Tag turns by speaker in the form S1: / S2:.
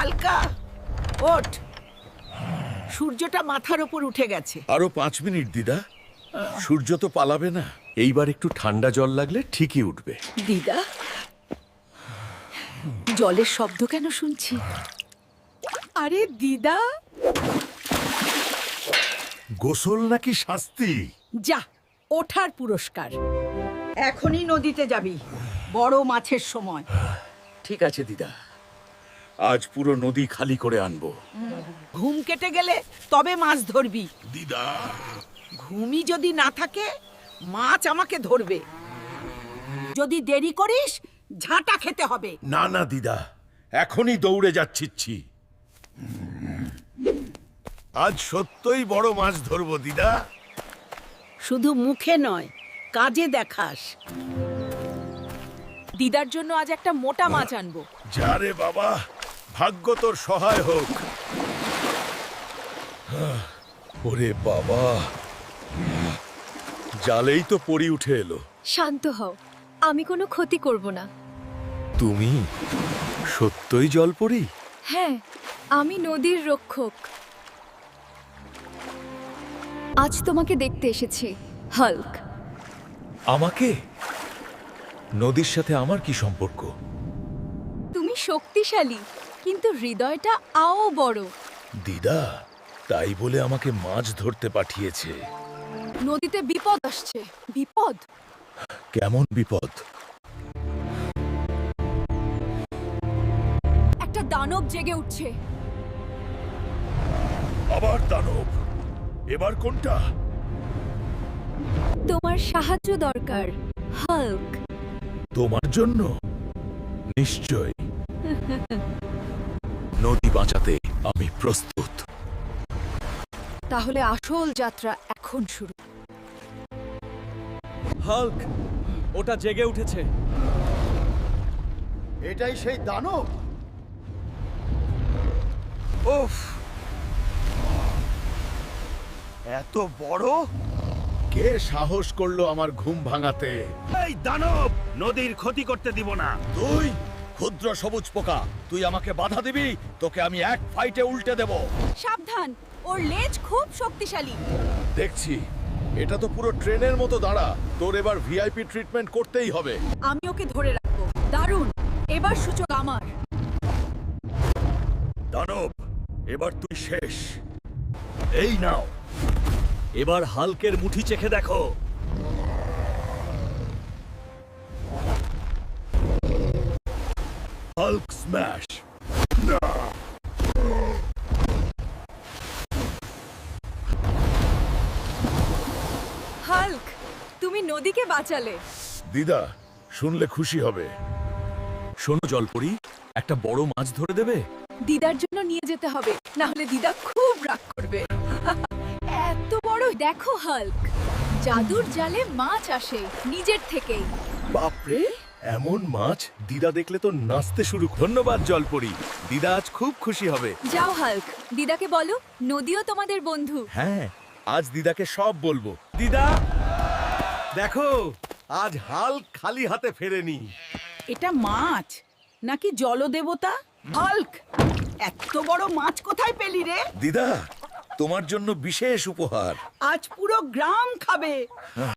S1: হালকা ওঠ, সূর্যটা মাথার ওপর উঠে গেছে।
S2: আরো 5 মিনিট দিদা, সূর্য তো পালাবে না। এইবার একটু ঠান্ডা জল লাগলে ঠিকই উঠবে।
S1: দিদা, জলের শব্দ কেন শুনছি? আরে দিদা,
S2: গোসল নাকি শাস্তি?
S1: যা, ওঠার পুরস্কার। এখনই নদীতে যাবি, বড় মাছের সময়।
S2: ঠিক আছে দিদা, আজ পুরো নদী খালি করে আনবো।
S1: ঘুম কেটে গেলে তবে মাছ ধরবি।
S2: দিদা,
S1: ঘুমই যদি না থাকে, মাছ আমাকে ধরবে। যদি দেরি করিস, ঝাঁটা খেতে হবে।
S2: না না দিদা, এখনই দৌড়ে যাচ্ছিচ্ছি। আজ সত্যই বড় মাছ ধরবো দিদা।
S1: শুধু মুখে নয়, কাজে দেখাস। দিদার জন্য আজ একটা মোটা মাছ আনবো।
S2: যা রে বাবা, ভাগ্য তোর সহায় হোক। ওরে বাবা, জালেই তো পড়ি উঠে এলো।
S3: শান্ত হও, আমি কোনো ক্ষতি করব না।
S2: তুমি সত্যই জল পড়ি?
S3: হ্যাঁ, আমি নদীর রক্ষক। আজ তোমাকে দেখতে এসেছি, হাল্ক।
S2: আমাকে? নদীর সাথে আমার কি সম্পর্ক?
S3: তুমি শক্তিশালী, কিন্তু হৃদয়টা আও বড়।
S2: দিদা তাই বলে আমাকে মাছ ধরতে পাঠিয়েছে।
S3: নদীতে বিপদ আসছে। বিপদ?
S2: কেমন বিপদ?
S3: একটা দানব জেগে উঠছে।
S2: আবার দানব? এবার কোনটা?
S3: তোমার সাহায্য দরকার, হাল্ক।
S2: তোমার জন্য? নিশ্চয়। নদী বাঁচাতে আমি প্রস্তুত।
S3: তাহলে আসল যাত্রা এখন শুরু।
S4: হাল্ক, ওটা জেগে উঠেছে।
S2: এটাই সেই দানব? উফ, এত বড়! কে সাহস করলো আমার ঘুম ভাঙাতে?
S5: এই দানব, নদীর ক্ষতি করতে দিব না।
S2: তুই ক্ষুদ্র সবুজ পোকা, তুই আমাকে বাধা দিবি? তোকে আমি এক ফাইটে উল্টে দেব।
S3: সাবধান, ওর লেজ খুব শক্তিশালী।
S2: দেখছি, এটা তো পুরো ট্রেনের মতো দাঁড়া। তোর এবার ভিআইপি ট্রিটমেন্ট করতেই হবে।
S3: আমি ওকে ধরে রাখবো। দারুণ, এবার সূচক আমার।
S2: দানব, এবার তুই শেষ। এই নাও।
S5: এবার হালকের মুঠি চেখে দেখো।
S2: Hulk smash.
S3: হাল্ক, তুমি নদীকে বাঁচালে।
S2: দিদা শুনলে খুশি হবে। শোনো জলপরি, একটা বড় মাছ ধরে দেবে?
S3: দিদার জন্য নিয়ে যেতে হবে, না হলে দিদা খুব রাগ করবে। এত বড় দেখো হাল্ক, জাদুর জালে মাছ আসে নিজের থেকেই।
S2: বাপরে, এমন মাছ দিদা দেখলে তো নাচতে শুরু। ধন্যবাদ জলপরি, দিদা আজ খুব খুশি হবে।
S3: যাও হাল্ক, দিদাকে বলো নদীও তোমাদের বন্ধু।
S2: হ্যাঁ, আজ দিদাকে সব বলবো।
S4: দিদা, দেখো, আজ হাল্ক খালি হাতে ফেরেনি।
S1: এটা মাছ নাকি জলদেবতা? হাল্ক, এত বড় মাছ কোথায় পেলি রে?
S2: দিদা, তোমার জন্য বিশেষ উপহার।
S1: আজ পুরো গ্রাম খাবে।